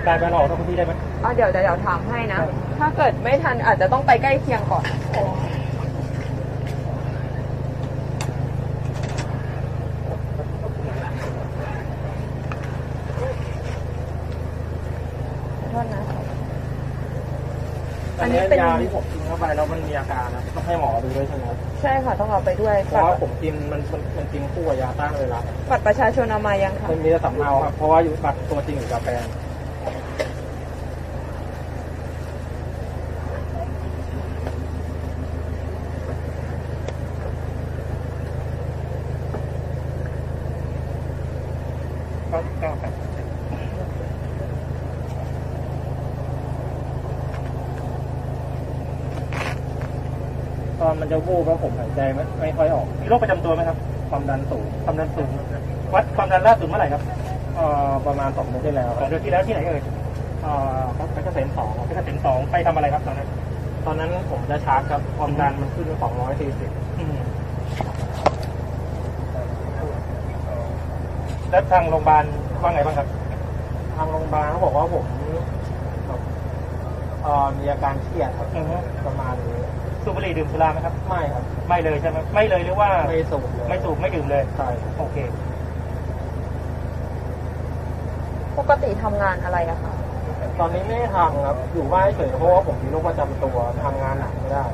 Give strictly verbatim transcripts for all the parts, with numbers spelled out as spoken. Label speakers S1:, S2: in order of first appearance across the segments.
S1: ได้ไหมเราออกนอกพื้นที่ได้ไหม
S2: อ๋อเดี๋ยวเดี๋ยวถามให้นะถ้าเกิดไม่ทันอาจจะต้องไปใกล้เคียงก่อนโทษนะ
S1: อันนี้เป็นยาที่ผมกินเข้าไปแล้วมันมีอาการนะต้องให้หมอดูด้วยใช่ไหมครับ
S2: ใช่ค่ะต้องเอาไปด้วย
S1: เพราะว่าผมกินมันมันกินคู่กับยาต้านไวรัส
S2: บัตรประชาชนเอามายังคะ
S1: มันมีแต่สำเนาครับเพราะว่าอยู่บัตรตัวจริงอยู่กับแฟนก็ก็แบบตอนมันจะวูบแล้วผมหายใจไม่ไม่ค่อยออกมีโรคประจำตัวไหมครับความดันสูงความดันสูงวัดความดันล่าสุดเมื่อไหร่ครับเอ่อประมาณสองเดือนที่แล้วสองเดือนที่แล้วที่ไหนเอ่ยเอ่อเพชรเกษมสองเพชรเกษมสองไปทำอะไรครับตอนนั้นตอนนั้นผมจะชาร์จครับความดันมันขึ้นสองร้อยสี่สิบแล้วทางโรงพยาบาลว่าไงบ้างครับทางโรงพยาบาลเขาบอกว่าผมเอ่อมีอาการเครียดครับประมาณนี้สูบบุหรี่ดื่มสุราไหมครับไม่ครับไม่เลยใช่ไหมไม่เลยหรือว่าไม่สูบไม่สูบไม่ดื่มเลยใช่โอเค
S2: ปกติทำงานอะไรอะคะ
S1: ตอนนี้ไม่ได้ทำครับอยู่บ้านเฉยเพราะว่าผมมีโรคประจำตัวทำงานหนักไม่ได้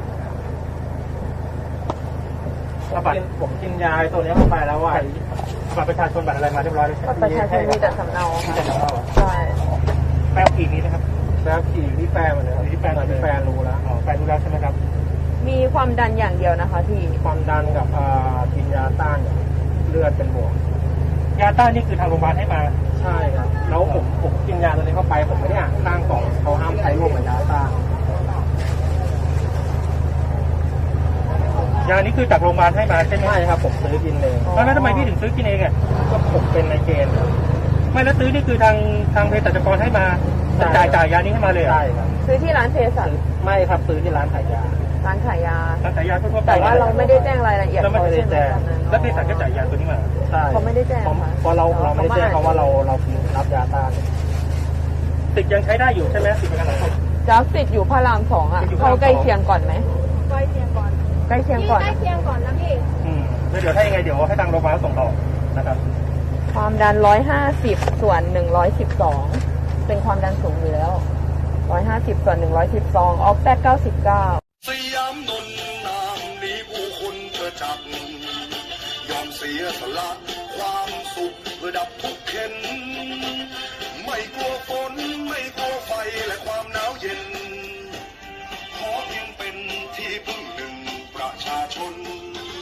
S1: ผมกินผมกินยาตัวนี้เข้าไปแล้วว่าบัตรประชาชนบัตรอะไรมาเรียบร้อยแล้ว
S2: บัตรประชาชนมีแต่สำเนา
S1: มีแต่สำเนา
S2: ใช่
S1: แป๊บขี่นี้นะครับแป๊บขี่ที่แฟนมันเลยที่แฟนที่แฟนรู้แล้วอ๋อแฟนรู้แล้วใช่ไหมครับ
S2: มีความดันอย่างเดียวนะคะที่
S1: ความดันกับกินยาต้านเลือดเป็นบวกยาต้านนี่คือทางโรงพยาบาลให้มาใช่ครับแล้วผมผมกินยาตัวนี้เข้าไปผมไม่ได้อ่านข้างกล่องเขาห้ามใช้ร่วมกับยาต้านยานี้คือจากโรงพยาบาลให้มาใช่ไหมใช่ครับผมซื้อกินเองแล้วทำไมพี่ถึงซื้อกินเองอ่ะก็ผมเป็นในเกณฑ์ไม่แล้วซื้อนี่คือทางทางเภสัชกรให้มาจ่ายจ่ายยานี้ให้มาเลยใช่ครับ
S2: ซื้อที่ร้านเภสัช
S1: ไม่ครับซื้อที่ร้านขายยา
S2: ร้านขายยา
S1: ร้านขายยาทั่วไป
S2: แต่ว่าเราไม่ได้แจ้งรายละเอียด
S1: เราไม่ได้แจ้งแล้วเภสัชก็จ่ายยาตัวนี้มาใช่
S2: เขาไม่ได้แจ้ง
S1: เพราะเราเราไม่ได้แจ้งเพราะว่าเราเรารับยาต้านติดยังใช้ได้อยู่ใช่ไหมติดเป็นอะไร
S2: จะติดอยู่พระรามสองอ่ะเข้าใกล้เคียงก่อนไหม
S3: ใกล้เคียงก่อน
S2: ใกล้เคียงก่อน
S3: ใกล้เคียงก่อนนะพี่
S1: อืมแล้วเดี๋ยวถ้ายังไงเดี๋ยวให้ทางโรงพยาบาลส่งต่อนะครับ
S2: ความดันร้อยห้าสิบส่วนหนึ่งร้อยสิบสองเป็นความดันสูงอยู่แล้วร้อยห้าสิบส่วนหนึ่งร้อยสิบสองออกแปดเก้าสิบเก้า
S4: สยามนนนามนี้ผู้คนเธอจักยอมเสียสละ